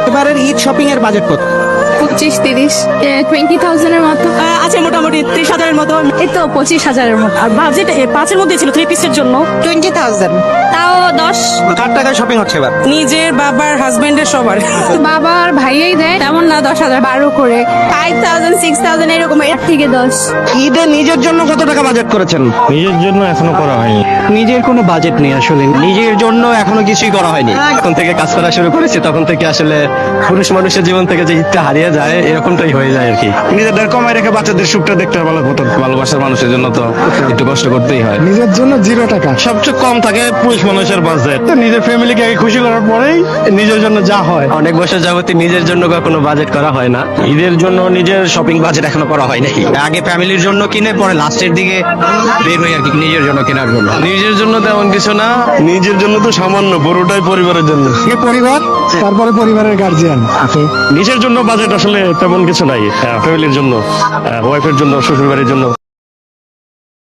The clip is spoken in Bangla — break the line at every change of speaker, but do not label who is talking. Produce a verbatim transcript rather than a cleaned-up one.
এবারের ঈদ শপিং এর বাজেট কত?
পঁচিশ তিরিশ টোয়েন্টি থাউজেন্ডের মতো
আছে মোটামুটি ত্রিশ হাজারের মতো।
এই তো পঁচিশ হাজারের মতো
আর বাজেট পাঁচের মধ্যে ছিল থ্রি পিসের জন্য।
Twenty thousand.
তাও দশ
কার টাকায় শপিং হচ্ছে এবার?
নিজের বাবার হাজবেন্ডের সবার।
বাবার ভাইয়াই দেয় তেমন না, দশ হাজার বারো করে ফাইভ থাউজেন্ড সিক্স থাউজেন্ড এরকম, এর থেকে দশ।
ঈদে নিজের জন্য কত টাকা বাজেট করেছেন?
নিজের জন্য এখনো করা হয়নি।
নিজের কোনো বাজেট নেই আসলে, নিজের জন্য এখনো কিছুই করা হয়নি।
যখন থেকে কাজ করা শুরু করেছি তখন থেকে আসলে পুরুষ মানুষের জীবন থেকে যে ঈদটা হারিয়ে যায় এরকমটাই হয়ে যায় আর কি।
নিজেদের কমাই রেখে বাচ্চাদের সুখটা দেখতে ভালো হতো।
ভালোবাসার মানুষের জন্য তো একটু কষ্ট করতেই হয়।
নিজের জন্য জিরো টাকা।
সবচেয়ে কম থাকে পুরুষ মানুষের বাজেট। তো নিজের ফ্যামিলিকে আগে খুশি করার পরেই নিজের জন্য যা হয়।
অনেক বছর যাবতীয় নিজের জন্য কখনো বাজেট করা হয় না।
ঈদের জন্য নিজের শপিং বাজেট এখনো করা হয় নাই।
আগে ফ্যামিলির জন্য কিনে পরে লাস্টের দিকে বের হই আর কি নিজের জন্য কেনার জন্য। নিজের জন্য তেমন কিছু না।
নিজের জন্য তো সামান্য, পুরোটাই পরিবারের জন্য।
আগে পরিবার, তারপরে পরিবারের গার্জিয়ান।
নিজের জন্য বাজেট আসলে তেমন কিছু নাই। ফ্যামিলির জন্য, ওয়াইফের জন্য, শ্বশুর বাড়ির জন্য।